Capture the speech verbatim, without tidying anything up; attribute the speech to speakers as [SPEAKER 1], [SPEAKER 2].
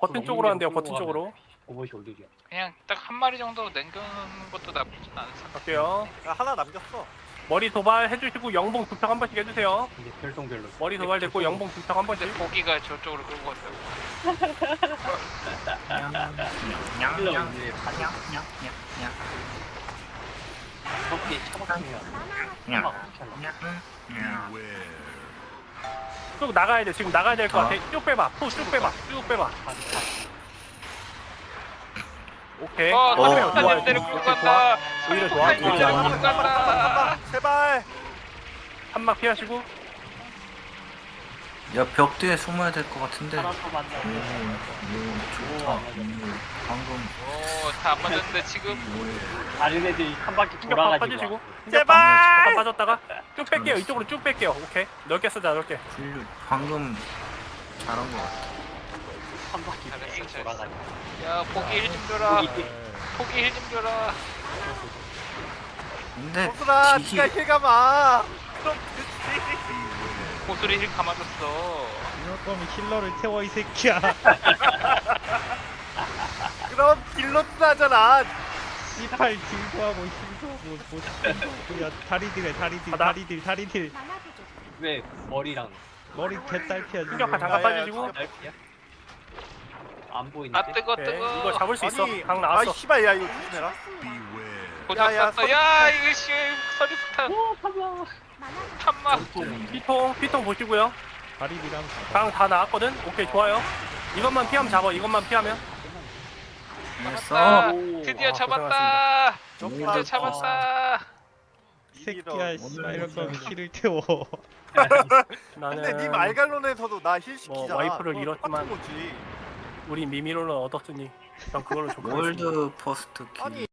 [SPEAKER 1] 버튼 쪽으로 한대요. 버튼 쪽으로.
[SPEAKER 2] 오버시 올리려.
[SPEAKER 3] 그냥 딱 한 마리 정도 남겨놓는 것도 나쁘진 않습니다.
[SPEAKER 1] 갈게요.
[SPEAKER 4] 야, 하나 남겼어.
[SPEAKER 1] 머리 도발 해주시고 영봉 두평 한 번씩 해주세요.
[SPEAKER 2] 이제 별똥별로.
[SPEAKER 1] 머리 도발 됐고 영봉 두평 한 번씩.
[SPEAKER 3] 근데 고기가 저쪽으로 끌고 갔다고.
[SPEAKER 2] 힐러 이제 반야. 저렇게 차박하면 차박 어떻게 하나?
[SPEAKER 1] 쭉 나가야 돼. 지금 나가야 될 것 같아. 쭉 빼봐. 푸 쭉 빼봐. 쭉 빼봐. 오케이.
[SPEAKER 3] 어,
[SPEAKER 1] 좋아요, 좋아요.
[SPEAKER 3] 삼십팔 년대로 끌고 간다.
[SPEAKER 1] 오히려 좋아.
[SPEAKER 3] 삼십팔
[SPEAKER 1] 오히려
[SPEAKER 3] 년대로
[SPEAKER 1] 좋아.
[SPEAKER 3] 끌고 간다.
[SPEAKER 4] 제발.
[SPEAKER 1] 한막 피하시고.
[SPEAKER 5] 야, 벽 뒤에 숨어야 될 것 같은데.
[SPEAKER 2] 하나 더 만나.
[SPEAKER 5] 오, 좋다. 음, 방금.
[SPEAKER 3] 오, 다 안 맞았는데 지금.
[SPEAKER 2] 다른 애들이 한 바퀴
[SPEAKER 1] 충격 파-
[SPEAKER 2] 돌아가지고.
[SPEAKER 1] 빠지시고.
[SPEAKER 4] 제발!
[SPEAKER 1] 잠깐 빠졌다가 쭉 뺄게요. 이쪽으로 쭉 뺄게요. 오케이. 넓게 쓰자. 넓게.
[SPEAKER 5] 훌륭. 방금 잘한 것 같아.
[SPEAKER 2] 한 바퀴
[SPEAKER 3] 잘했어,
[SPEAKER 2] 뺑
[SPEAKER 3] 잘했어.
[SPEAKER 2] 돌아가지고.
[SPEAKER 3] 야, 포기 힐 좀 줘라.
[SPEAKER 2] 거기
[SPEAKER 3] 포기 힐 좀 줘라.
[SPEAKER 5] 근데
[SPEAKER 4] 호수라,
[SPEAKER 5] 기기
[SPEAKER 4] 니가 힐 감아. 그럼 그치.
[SPEAKER 3] 고수리 힐 감아줬어.
[SPEAKER 6] 이럴 거면 힐러를 태워 이 새끼야.
[SPEAKER 4] 그럼 딜러스 하잖아.
[SPEAKER 6] 씨팔 딜도 하고 힐도 하고 뭐 딜도 야 다리딜해 다리딜
[SPEAKER 1] 가다.
[SPEAKER 6] 다리딜 다리딜
[SPEAKER 2] 왜 머리랑
[SPEAKER 6] 머리 개딸피야 지금.
[SPEAKER 1] 충격파 잠깐
[SPEAKER 4] 야, 야,
[SPEAKER 1] 빠지시고.
[SPEAKER 2] 날피야? 안
[SPEAKER 3] 아
[SPEAKER 2] 보이는데?
[SPEAKER 3] 뜨거
[SPEAKER 1] 오케이.
[SPEAKER 3] 뜨거.
[SPEAKER 1] 이거 잡을 수 있어.
[SPEAKER 4] 아니,
[SPEAKER 1] 강
[SPEAKER 4] 아,
[SPEAKER 1] 나왔어.
[SPEAKER 4] 씨발, 야, 이거 조심해라.
[SPEAKER 3] 고작
[SPEAKER 4] 야, 야,
[SPEAKER 3] 쐈어. 야, 이거 씨 서리폭탄.
[SPEAKER 2] 오, 참아.
[SPEAKER 3] 탄마.
[SPEAKER 1] 피통 피통 보시고요.
[SPEAKER 6] 다리딜랑
[SPEAKER 1] 강 다 나왔거든. 오케이 좋아요. 이것만 피하면 잡아. 이것만 피하면.
[SPEAKER 5] 했어.
[SPEAKER 3] 잡았다.
[SPEAKER 2] 오,
[SPEAKER 3] 드디어
[SPEAKER 1] 아,
[SPEAKER 3] 잡았다.
[SPEAKER 4] 정말.
[SPEAKER 3] 드디어 잡았다.
[SPEAKER 6] 새끼야
[SPEAKER 4] 이런.
[SPEAKER 6] 씨발 이럴 거면 힐을 태워.
[SPEAKER 1] 나는
[SPEAKER 4] 근데 님 알갈론에서도 나 힐 시키잖아.
[SPEAKER 1] 뭐 와이프를
[SPEAKER 4] 그거
[SPEAKER 1] 잃었지만
[SPEAKER 4] 똑같은 거지.
[SPEAKER 1] 우리 미미로는 얻었으니 전 그걸로 좋고
[SPEAKER 5] 월드 퍼스트 킬.
[SPEAKER 4] 아니